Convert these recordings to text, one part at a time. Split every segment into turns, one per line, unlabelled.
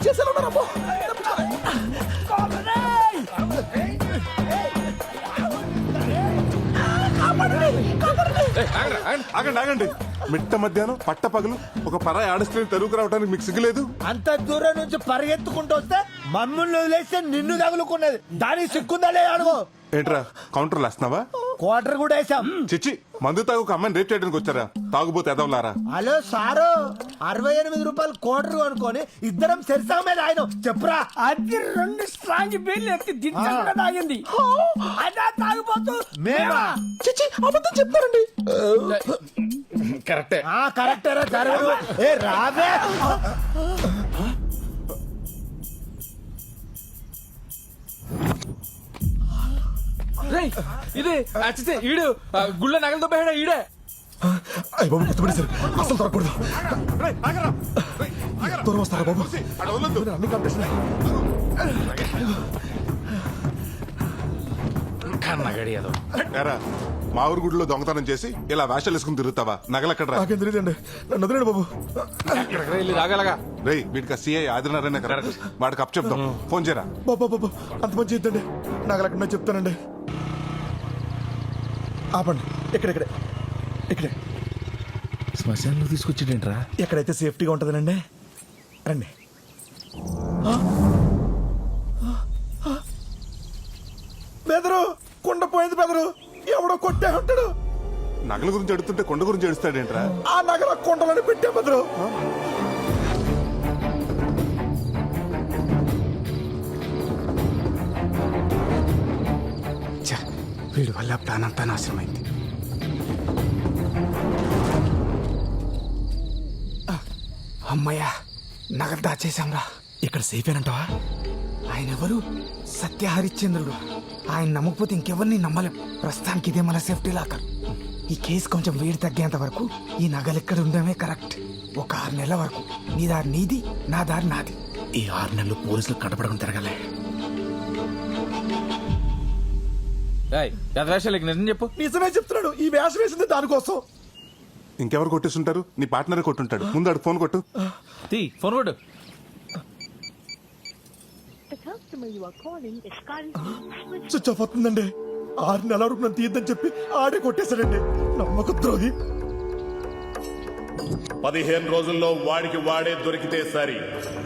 చేసేలా
ఆగండి ఆగండి, మిట్ట మధ్యాహ్నం పట్ట పగలు ఒక పరాయి ఆడస్ట్రీని తరువుకు రావడానికి మీకు సిగ్గులేదు?
అంత దూరం నుంచి పరిగెత్తుకుంటూ వస్తే మమ్మల్ని వదిలేస్తే నిన్ను తగులుకున్నది, దానికి సిక్కుందా లేదా అడుగు.
ఏంట్రా కౌంటర్లు వేస్తున్నావా?
క్వార్టర్ కూడా వేసాం.
చిచ్చి, మందు తాగు ఒక అమ్మాయిని రేప్ చేయడానికి వచ్చారా? తాగుబోతే ఎదవలారా.
హలో సారు, 68 రూపాయలు క్వార్టర్ అనుకొని ఇద్దరం సెరిసా మీద ఆయన చెప్పురా.
అది 2 స్ట్రాంగ్ బీర్లు ఎత్తి దించకుండా తాగింది. అదే తాగిపోతూ
మేమా?
చిచ్చి అబద్ధం చెప్తారండి.
కరెక్టే.
కరెక్టరా జరగదు. ఏ రావే.
ఇది అచ్చితే ఈడు గుళ్ళ నగలతో పోయాడా ఈడే?
అయ్య బాబు గుర్తుపడేశారు, అసలు దొరకకూడదు. దూరం వస్తారా బాబు? అన్ని కాంపిటీషన్.
ఏరా, మా ఊరు గుడిలో దొంగతనం చేసి ఇలా వేషాలు వేసుకుని తిరుగుతావా? నగలెక్కడ?
నాకేం తెలియదండి, నన్ను వదిలేండి బాబు.
రాగలగా
రేయ్, వీటికి సిఐ ఆదినారాయణ కదా, వాడికి అప్ చెప్దాం. ఫోన్ చేయరా.
బాబా బాబు అంత మంచి చేద్దండి, నగలెక్కడ చెప్తానండి. ఆపండి, ఇక్కడే ఇక్కడే.
శ్మశానంలో తీసుకొచ్చేటేంట్రా?
ఎక్కడైతే సేఫ్టీగా ఉంటుందనండి. రండి. బెదరు, కుండ పోయింది బెదరు, ఎవడో కొట్టే ఉంటాడు.
నగల గురించి అడుగుతుంటే కొండ గురించి అడుస్తాడేంట్రా?
ఆ నగల కుండలని పెట్టే బెదరు.
వీడి వల్ల ప్లాన్ అంతా నాశనమైంది. అమ్మయ్యా, నగలు దాచేశాంరా.
ఇక్కడ సేఫేనంటావా?
ఆయన ఎవరు? సత్య హరిశ్చంద్రుడు. ఆయన నమ్మకపోతే ఇంకెవరిని నమ్మలేం. ప్రస్తుతానికి ఇదే మన సేఫ్టీ లాకర్. ఈ కేసు కొంచెం వేడి తగ్గేంత వరకు ఈ నగలు ఇక్కడ ఉండడమే కరెక్ట్. ఒక 6 నెలల వరకు నీ దారి నీది, నా దారి నాది.
ఈ 6 నెలలు పోలీసులు కనపడకుండా తిరగలే.
వేషాలకి నిజం చెప్పు.
నిజమే చెప్తున్నాడు, ఈ వేషం వేసింది దానికోసం.
ఇంకెవరు కొట్టేస్తుంటారు? నీ పార్ట్నర్ కొట్టుంటాడు. ముందు ఆడు ఫోన్ కొట్టు.
ఫోన్ కొట్టు.
స్విచ్ ఆఫ్ అవుతుందండి. 6 నెలల వరకు నన్ను తీయద్దని చెప్పి ఆడే కొట్టేశాడండి. నమ్మక ద్రోహి.
15 రోజుల్లో వాడికి వాడే దొరికితే సరి.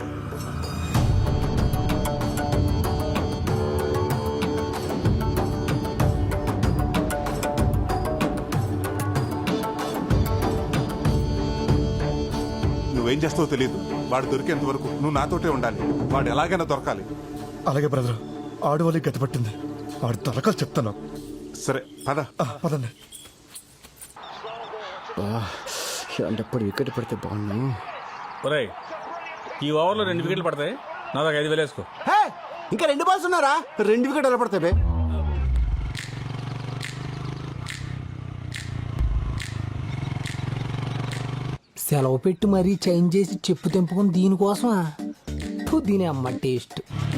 నువ్వేం చేస్తావో తెలియదు. వాడు దొరికేంత వరకు నువ్వు నాతోటే ఉండాలి. వాడు ఎలాగైనా దొరకాలి.
అలాగే బ్రదర్, ఆడు వాళ్ళకి గతి పట్టింది. వాడు తలకాలు చెప్తాను.
సరే పద.
పదండి.
ఇలాంటప్పుడు వికెట్ పడితే బాగున్నాను.
ఒరేయ్, ఈ ఓవర్లో 2 వికెట్లు పడతాయి. నా దాకా 5,000 వేసుకో.
ఇంకా 2 బాల్స్ ఉన్నారా? 2 వికెట్ ఎలా పడతాయి?
సెలవు పెట్టి మరీ చేంజ్ చేసి చెప్పు తెంపుకుని దీనికోసమా? దీని అమ్మ టేస్ట్.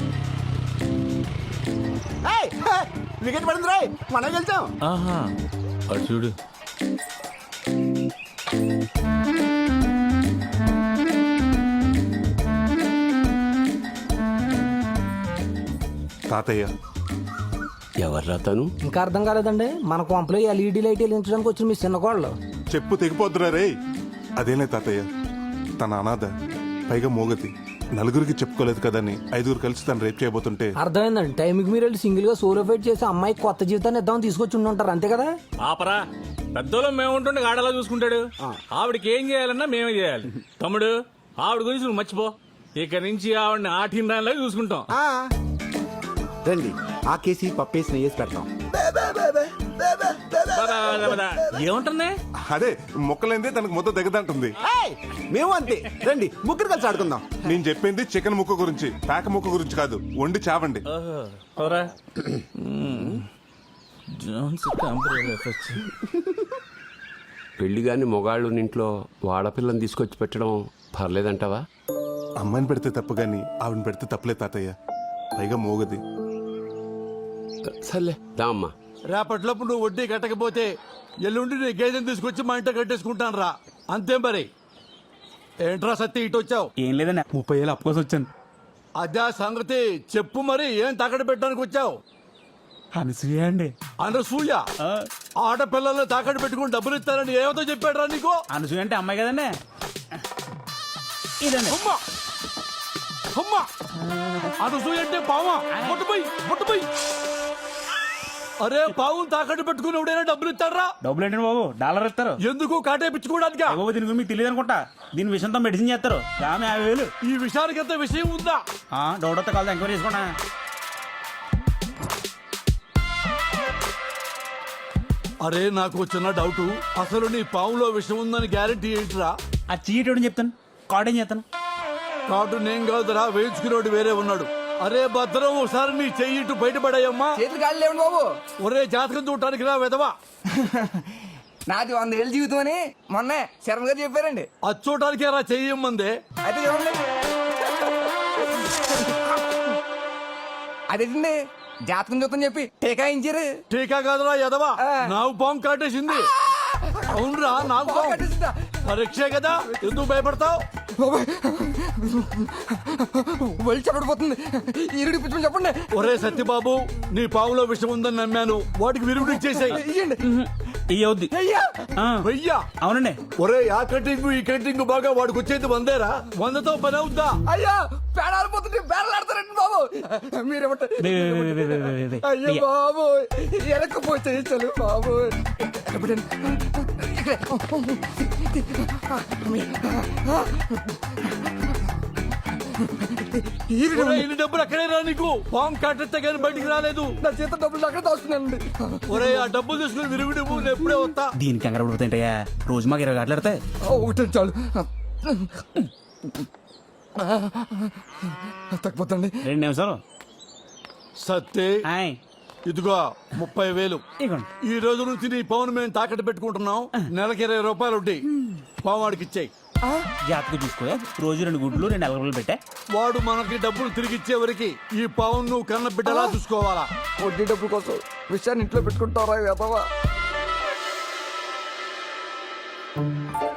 వికెట్ పడింది రాయ్, మనం వెళ్తాం.
అటు చూడు.
తాతయ్య.
ఎవర్రా తను?
ఇంకా అర్థం కాలేదండి, మన కొంపలో LED లైట్ వెలిగించడానికి వచ్చిన మీ చిన్న కోళ్ళు.
చెప్పు తెగిపోద్దురా రే. అదేనే తాతయ్య, తన అనాథ, పైగా మోగతి, నలుగురికి చెప్పుకోలేదు కదని 5 కలిసి తను రేప్ చేయబోతుంటే.
అర్థమైందండి, టైంకి మీరు వెళ్ళి సింగిల్ గా సోలో ఫైట్ చేసి అమ్మాయికి కొత్త జీవితాన్ని ఇద్దామని తీసుకొచ్చి ఉంటారు, అంతే కదా?
ఆపరా, పెద్దోళ్ళం మేము ఉంటుండే ఆడలా చూసుకుంటాడు. ఆవిడకి ఏం చేయాలన్నా మేమే చేయాలి. తమ్ముడు, ఆవిడ గురించి నువ్వు మర్చిపో. ఇక నుంచి ఆవిడని ఆటిన దానిలాగా చూసుకుంటాం.
రండి, ఆ కేసి పప్పేసి నెయ్యేసి పెడతాం.
ఏముంటుంది?
అదే మొక్కలైందే తనకు మొత్తం దిగదంటుంది.
మేము అంతే. రండి, ముగ్గురు కలిసి ఆడుకుందాం.
నేను చెప్పింది చికెన్ ముక్క గురించి, పేక ముక్క గురించి కాదు. వండి చావండి.
పెళ్లి గాని మొగాళ్ళు ఇంట్లో వాడపిల్లని తీసుకొచ్చి పెట్టడం పర్లేదంటావా?
అమ్మాయిని పెడితే తప్పు గాని ఆవిడని పెడితే తప్పులే తాతయ్య. పైగా మోగది.
సర్లే దా అమ్మా.
రేపట్లోపు నువ్వు వడ్డీ కట్టకపోతే ఎల్లుండి నీ గేదెని తీసుకొచ్చి మా ఇంట కట్టేసుకుంటాను రా. అంతే మరి. ఏంట్రా సత్తి ఇటు వచ్చావు?
ఏం లేదన్నా, 30,000 అప్పు కోసం వచ్చాను. అదే సంగతి చెప్పు మరి ఏం తాకట్టు పెట్టడానికి వచ్చావు?
అనసూయ అండి.
అనసూయ ఆడపిల్లల్ని తాకట్టు పెట్టుకుని డబ్బులు ఇస్తారని ఏమతో చెప్పాడురా నీకు?
అనసూయ అంటే అమ్మాయి కదండి. ఇదండి.
అమ్మా అమ్మా అనసూయ అంటే పావా? ముట్టుపోయి అరే పావును తాకట్టు పెట్టుకుని ఎవడైనా డబ్బులు ఇస్తారా?
డబ్బులు ఏంటండి బాబు, డాలర్ ఇస్తారు.
ఎందుకు కాటేపించుకోవడానికి?
బాబు దీని గురించి మీకు తెలియదు అనుకుంటా. దీని విషయంతో మెడిసిన్ చేస్తారు. ఆమె 50,000.
ఈ విషయానికి ఎంత విషయం ఉందా?
డౌట్ వస్తే కాదు, ఎంక్వైరీ చేసుకున్నా.
అరే నాకు చిన్న డౌట్, అసలు నీ పావులో విషయం ఉందని గ్యారెంటీ ఏంటిరా?
ఆ చీట్ చెప్తాను, కార్డ్ ఏం చేస్తాను.
కాటు నేను కాదురా, వేయించుకునేవాడు వేరే ఉన్నాడు. అరే భద్రం, ఒకసారి నీ చెయ్యి ఇటు బయటపడాయమ్మా.
చేతులు గాలి లేవండి బాబు.
ఒరే జాతకం చూడటానికి రా విధవా.
నాది 100 ఏళ్ళ జీవితం అని మొన్న శర్మ గారు చెప్పారండి.
అది చూడటానికి రా చెయ్యమ్మందే.
అయితే చూడండి. అదేంటండి జాతకం చూద్దని చెప్పి టీకా ఇచ్చారు.
టీకా కాదురా ఎదవా, నాకు పాము కాటేసింది. అవునరా, నాకు పాము. పరీక్షే కదా, ఎందుకు భయపడతావు?
వెళ్ళి చెప్పడిపోతుంది. ఈరుడి పిచ్చుకుని చెప్పండి.
ఒరే సత్యబాబు, నీ పాములో విషం ఉందని నమ్మాను, వాటికి విరుగుడు ఇచ్చేసాయి.
ఇయ్యవుద్ది.
వెయ్యా?
అవునండి.
ఒరే ఆ కటింగ్ ఈ కటింగ్ బాగా వాడికి వచ్చేది 100రా? 100తో పని అవుద్దా?
అయ్యా పేడాలు పోతుంటే బేరలాడతారండి బాబు. మీరేమంటారు? అయ్యో బాబు, ఎరకపోతే చలు బాబు.
ఒరే, ఇన్ని డబ్బులు అక్కడే రా నీకు. పాము కాటెత్తే కానీ బయటికి రాలేదు.
నా చేత డబ్బులు అక్కడ దాస్తున్నానండి.
ఒరే ఆ డబ్బులు తీసుకుని విరుగుడు నేను ఎప్పుడే వస్తా.
దీనికి కంగారు పడిపోతాయంటయ్యా, రోజు మాకు 20 గంటలు ఆడతాయి.
ఒకటి చాలు తగ్గిపోతండి.
2 నిమిషాలు.
సత్తే ఇదిగో 30,000.
ఇగోండి.
ఈ రోజు నుంచి నీ పవన్ మేము తాకట్టు పెట్టుకుంటున్నాం. నెలకి 20 రూపాయలు ఉంటాయి. పావాడికి ఇచ్చేయి.
జాతకు చూసుకో, రోజు 2 గుడ్లు 2 ఎలగలు పెట్టా.
వాడు మనకి డబ్బులు తిరిగి ఇచ్చే వరకు ఈ పవన్ నువ్వు కన్న బిడ్డలా చూసుకోవాలా.
వడ్డీ డబ్బుల కోసం విషయాన్ని ఇంట్లో పెట్టుకుంటారా?